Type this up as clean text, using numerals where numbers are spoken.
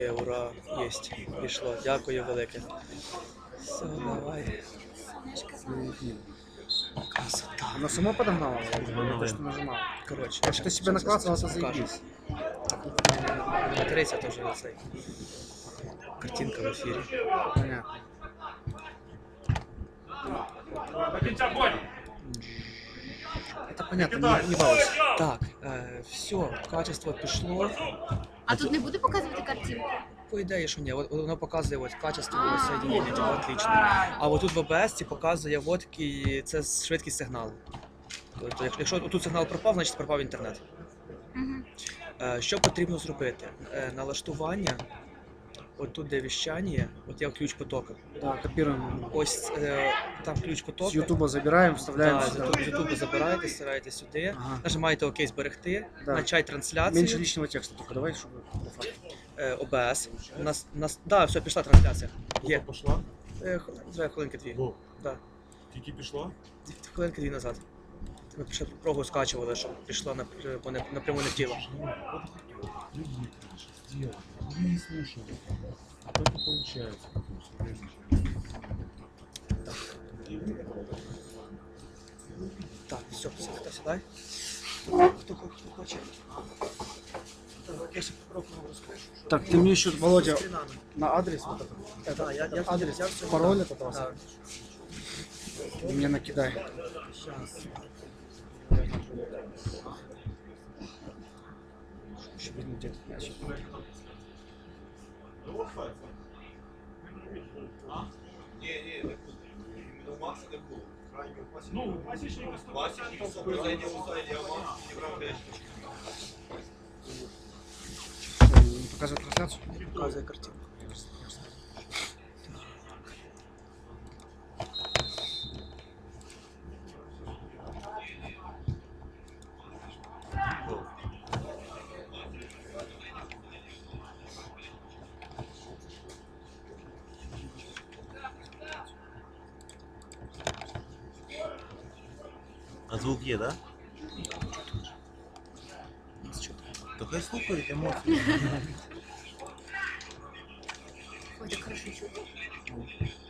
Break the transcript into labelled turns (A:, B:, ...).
A: Ура, єсть, пішло. Дякую велике. Все, давай. Красота.
B: Она сама подогнала, то, что нажимала.
A: Коротше,
B: Если ты себе наклацала, то заебись.
A: Материться теж цей. Картинка в ефірі.
B: Понятно. Это понятно, не балуйся.
A: Так, все, качество пішло.
C: А тут не буде показувати картинку?
A: По ідеї, що ні, от воно показує от качество соєдинення, типу, отлично. А от тут в ОБС показує от такий, це швидкість сигналу. Тобто, якщо тут сигнал пропав, значить пропав інтернет. Що потрібно зробити? Налаштування, от тут де віщання, от є ключ потока.
B: Да, копируем.
A: Ось там ключ потока.
B: С Ютуба забираем, вставляем
A: Да,
B: сюда.
A: з Ютубу забираєте, стираєте сюди,
B: Ага.
A: нажимаєте ОК зберегти,
B: Да.
A: начать трансляцію.
B: Меньше лишнего текста только давай, чтобы по факту.
A: ОБС. Да, все, пішла трансляція. Є.
D: Пошла?
A: Хвилинки дві.
D: Во.
A: Да.
D: Тільки пішла?
A: Хвилинки дві назад. Ми ще прогу скачували, щоб пішла напряму не в тіло.
D: Люби, конечно, сделай. Мы не слушаем. А то не получается.
A: Так, все, сідай. Хто хоче? Так, я ще попробую розкажу.
B: Так, ты мне еще, Володя,
A: Стрінами.
B: на адрес вот этот.
A: Да, я
B: адрес,
A: я все
B: пароль
A: дам.
B: этот у вас?
A: Да.
B: Ты мне накидай.
A: Щас.
B: Чтобы видно, где этот мячик.
D: Ну, классичный
B: Не показывает трансляцию?
A: Показує картинку.
E: А звук є, да? То хай слухають емоції.
C: Ходить хорошо чути.